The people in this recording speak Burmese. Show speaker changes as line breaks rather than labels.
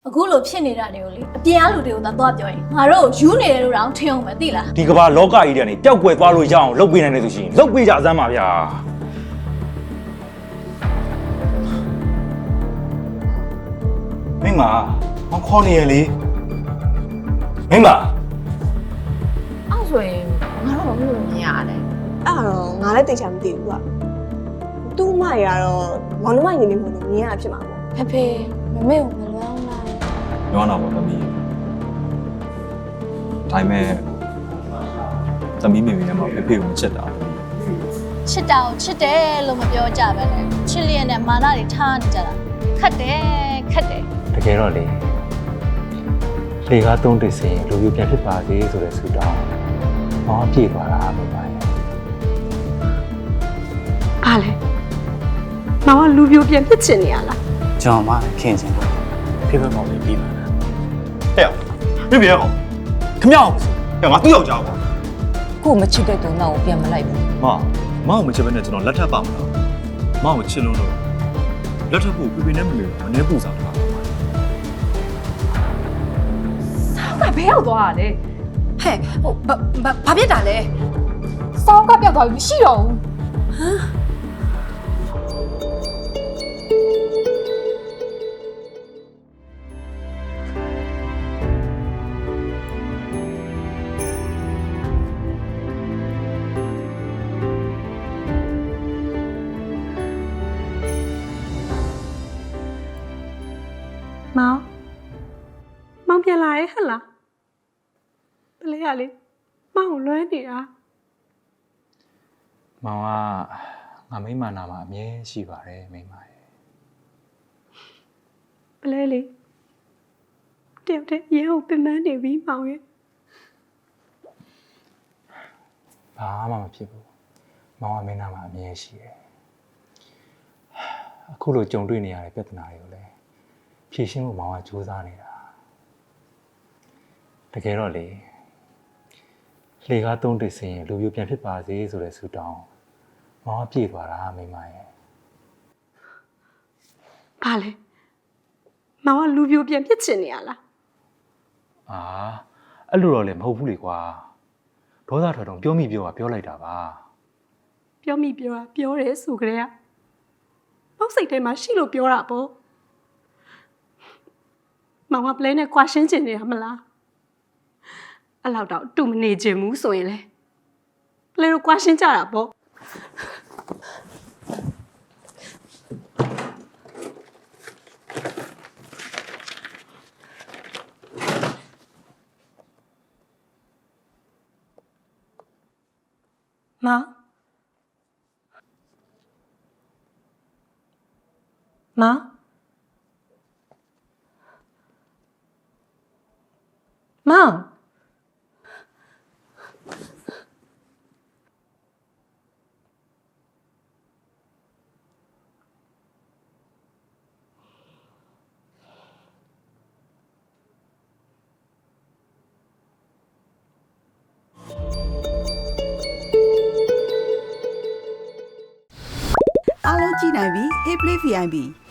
အခုလိုဖြစ်နေတာတွေကိုလေအပြင်အားလူတွေကိုသာသွားပြောရင်ငါတို့ယူနေတယ်လို့တော့ထင်အောင်ပဲသိလား
ဒီကမ္ဘာလောကကြီးတဲ့နေပျောက်ကွယ်သွားလို့ရအောင်လုပ်ပေးနိုင်တယ်ဆိုရှင်လုပ်ပေးကြစမ်းပါဗျာမင်းမခေါ်နေရလေမင်းမ
အဲ့ဆိုရင်ငါတို့ဘာလို့မြင်ရတယ်
အဲ့တော့ငါလည်းတိတ်ချာမသိဘူးကွာသူ့မရတော့မောင်နှမညီလေးမျိုးမြင်ရဖြစ်မှာပေါ့
ဖေဖေမမေကိုမလွမ်းလား
ပြောတော့ပါသမီးဒါပေမဲ့သမီးမိမိနဲ့မှဖေဖေကိုမချစ်တာ
ချစ်တာကိုချစ်တယ်လို့မပြောကြပဲလေချစ်လျက်နဲ့မာနတွေထားနေကြတာခတ်တယ်
တကယ်တော့လေလေကားသုံးတစ်စင်လူပြပြန်ဖြစ်ပါစေဆိုတဲ့ဆုတောင်းမောင်းပြေးသွားတာပဲပါရဲ့
ဘာလဲမောင်ကလူပြိုပြန်ဖြစ်ချင်နေရလား
ကျွန်တော်မှခင်ချင်တယ်ဖေဖေမောင်လေးပြီးပါလား
ဟဲ့ပြပြအောင်ခမအောင်ဟဲ့ငါသူ့ယောက်ျားကွာ
ကို့မချစ်တဲ့သူနောက်ကိုပြန်မလိုက်ဘူး
မောင်ကိုမချစ်ဘဲနဲ့ကျွန်တော်လက်ထပ်ပါမလားမောင်ကိုချစ်လို့လက်ထပ်ဖို့ဖေဖေနဲ့မမေကိုမနှဲပူစားတာ
ကဘဲရောက်သွားတာလေဟဲ့ဟိုဘာဖြစ်တာလဲစောင်းကပြောက်သွားပြီမရှိတော့ဘူး
မောင်ပြန်လာရဲ့ဟဲ့လားတလေးရလေမောင်ကိုလွှဲနေတာ
မောင်ကငါမိမနာမှာအမြဲရှိပါတယ်မိမရဲ့
ပလဲလေတယောက်တည်းရဲကိုပင်ပန်းနေပြီမောင်ရဲ့
ဘာမှမဖြစ်ဘူးမောင်ကမင်းနာမှာအမြဲရှိတယ်အခုလိုကြုံတွေ့နေရတဲ့ပြဿနာတွေကိုလည်းဖြေရှင်းဖို့မောင်ကကြိုးစားနေတာတကယ်တော့လေလေကားသုံးတစ်စင်လူပြပြန်ဖြစ်ပါစေဆိုတဲ့ဆုတောင်းမောင်ကပြေးသွားတာမိမရဲ့
ဘာလဲမောင်ကလူပြိုပြန်ဖြစ်ချင်နေရလား
အာအဲ့လိုတော့လည်းမဟုတ်ဘူးလေကွာဒေါသထွက်တော့ပြောမိပြောလိုက်တာပါ
ပြောမိပြောတာပြောတယ်ဆိုကြတဲ့ကပေါက်စိတ်ထဲမှာရှိလို့ပြောတာပေါ့မောင်ကပလဲနဲ့ကွာရှင်းချင်နေတာမလားအဲ့လောက်တော့တူမနေချင်ဘူးဆိုရင်လေပလဲတို့ကွာရှင်းကြတာပေါ့မောင်မောင်မောင်
အားလုံးကြည့်နိုင်ပြီ Hey Play VIP